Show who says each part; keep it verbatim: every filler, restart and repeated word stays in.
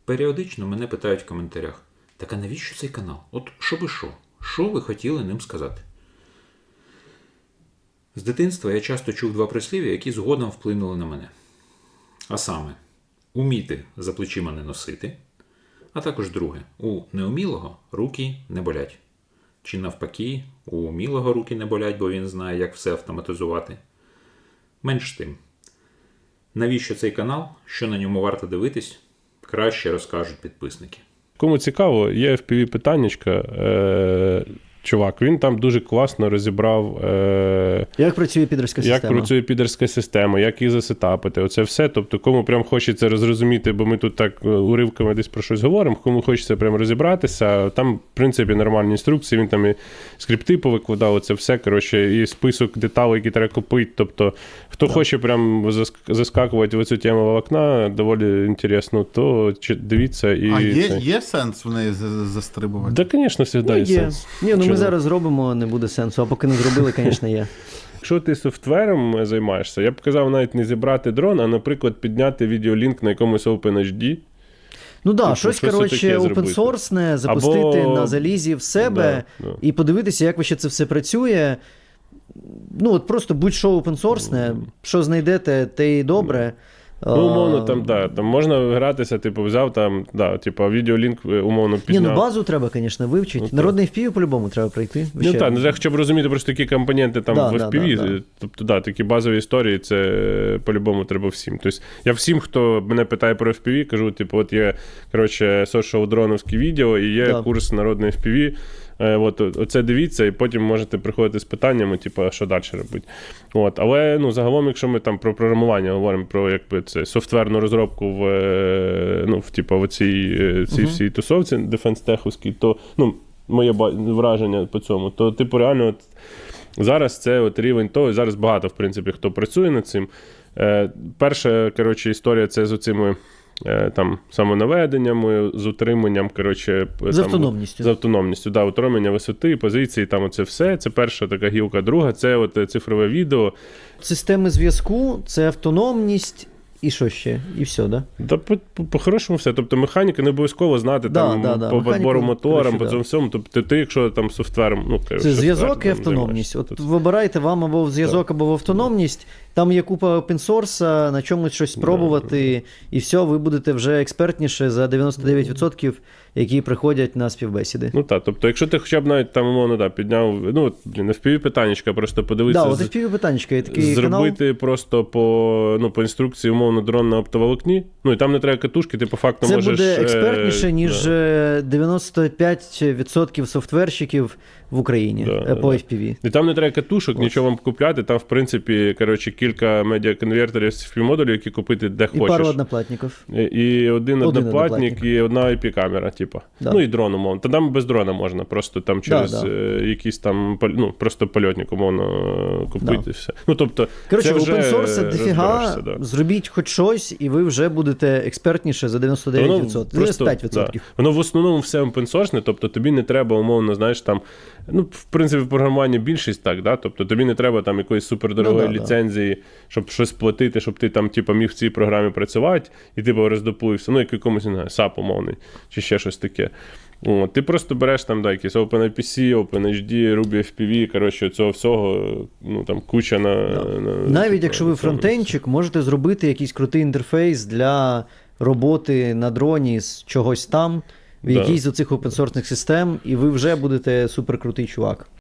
Speaker 1: Періодично мене питають в коментарях: так а навіщо цей канал? От що би що? Що ви хотіли ним сказати? З дитинства я часто чув два прислів'я, які згодом вплинули на мене. А саме, уміти за плечима не носити, а також друге, у неумілого руки не болять. Чи навпаки, у умілого руки не болять, бо він знає, як все автоматизувати. Менш тим. Навіщо цей канал, що на ньому варто дивитись, краще розкажуть підписники.
Speaker 2: Кому цікаво, є еф пі ві-питаннячка. Е- чувак, він там дуже класно розібрав, е-
Speaker 3: як працює підерська система.
Speaker 2: Як працює підерська система, як її засетапити. Оце все. Тобто, кому прям хочеться розрозуміти, бо ми тут так уривками десь про щось говоримо, кому хочеться прям розібратися, там, в принципі, нормальні інструкції, він там і скрипти повикладав, оце все, коротше, і список деталей, які треба купити. Тобто, хто так. хоче прям заскакувати в цю тему волокна, доволі інтересно, то дивіться. І
Speaker 4: а є,
Speaker 2: це...
Speaker 4: є сенс в неї застрибувати?
Speaker 2: Так, да, звісно, завжди
Speaker 3: ну,
Speaker 2: є
Speaker 3: є
Speaker 2: сенс.
Speaker 3: Ні, ну ми зараз зробимо, не буде сенсу, а поки не зробили, звісно, є.
Speaker 2: Якщо ти софтвером займаєшся, я б казав навіть не зібрати дрон, а, наприклад, підняти відеолінк на якомусь OpenHD.
Speaker 3: Ну так, да, щось, щось коротше, опенсорсне, запустити Або... на залізі в себе да, да. і подивитися, як ще це все працює. Ну, от просто будь-що опенсорсне, mm. що знайдете, те і добре.
Speaker 2: Ну, умовно, там, да, там можна гратися, типу, взяв там, да, типу, відеолінк, умовно, підняв.
Speaker 3: Ні, ну базу треба, звісно, вивчити. Ну, Народний еф пі ві по-любому треба пройти.
Speaker 2: Ну так, ну, хоча б розуміти просто такі компоненти там да, в еф пі ві, да, да, да. Тобто, да, такі базові історії, це по-любому треба всім. Тобто, я всім, хто мене питає про еф пі ві, кажу, типу, от є, коротше, social-дроновські відео і є да. курс Народний еф пі ві. От, оце дивіться, і потім можете приходити з питаннями, типу, що далі робити. От, але, ну, загалом, якщо ми там про програмування говоримо, про, якби, це, софтверну розробку в, ну, в, типу, в цій, цій uh-huh. всій тусовці дефенс-теховській, то, ну, моє враження по цьому, то, типу, реально, от, зараз це от рівень того, і зараз багато, в принципі, хто працює над цим. Е, перша, коротше, історія це з оцими там самонаведеннями, з утриманням, коротше,
Speaker 3: з
Speaker 2: там,
Speaker 3: автономністю.
Speaker 2: З автономністю, да, утримання висоти, позиції, там оце все. Це перша така гілка. Друга – це от цифрове відео.
Speaker 3: Системи зв'язку, це автономність і що ще? І все, да?
Speaker 2: Да, по-хорошому все. Тобто механіка не обов'язково знати да, там, да, да. по підбору моторам, по цьому всьому. Тобто ти, якщо там софтвером... Ну,
Speaker 3: це зв'язок і автономність. От тобто... вибирайте вам або в зв'язок, так. або в автономність. Там є купа опенсорса, на чомусь щось спробувати, да. і все, ви будете вже експертніше за дев'яносто дев'ять відсотків, які приходять на співбесіди.
Speaker 2: Ну так, тобто, якщо ти хоча б навіть там, умовно, да, підняв, ну, блін, еф пі ві-питаннячка, просто подивитися.
Speaker 3: Так, да, от еф пі ві-питаннячка є такий
Speaker 2: зробити
Speaker 3: канал.
Speaker 2: просто по, ну, по інструкції, умовно, дрон на оптоволокні. Ну, і там не треба катушки, ти по факту
Speaker 3: це
Speaker 2: можеш...
Speaker 3: Це буде експертніше, ніж
Speaker 2: да.
Speaker 3: дев'яносто п'ять відсотків софтверщиків в Україні да, по еф пі ві.
Speaker 2: І там не треба катушок, Ось. нічого вам купляти. Там, в принципі, коротше, кілька медіаконвертерів з еф пі модулів, які купити де
Speaker 3: і
Speaker 2: хочеш.
Speaker 3: І пару одноплатників.
Speaker 2: І, і один, один одноплатник, одноплатник, і одна ай пі-камера, типу. Да. Ну, і дрон, умовно. Та там без дрона можна, просто там через да, да. Е, якийсь там, ну, просто польотник, умовно, купити да. все. Ну, тобто,
Speaker 3: коротше, опенсорса дофіга, да. зробіть хоч щось, і ви вже будете експертніше за дев'яносто дев'ять відсотків, дев'яносто п'ять відсотків.
Speaker 2: Да. Воно в основному все опенсорсне, тобто тобі не треба, умовно, знаєш, там, ну, в принципі, в програмуванні більшість так, да? Тобто тобі не треба там якоїсь супердорогої ну, да, ліцензії, да. щоб щось платити, щоб ти там, типу, міг в цій програмі працювати, і ти роздопуєшся, ну, як якомусь, не знаю, сап умовний, чи ще щось таке. О, ти просто береш там, да, якісь OpenIPC, OpenHD, Ruby еф пі ві, коротше, цього всього, ну, там, куча на...
Speaker 3: Да.
Speaker 2: на
Speaker 3: Навіть на, якщо ви фронтенчик, можете зробити якийсь крутий інтерфейс для роботи на дроні з чогось там, в да. якійсь з оцих опенсорсних систем, і ви вже будете суперкрутий чувак.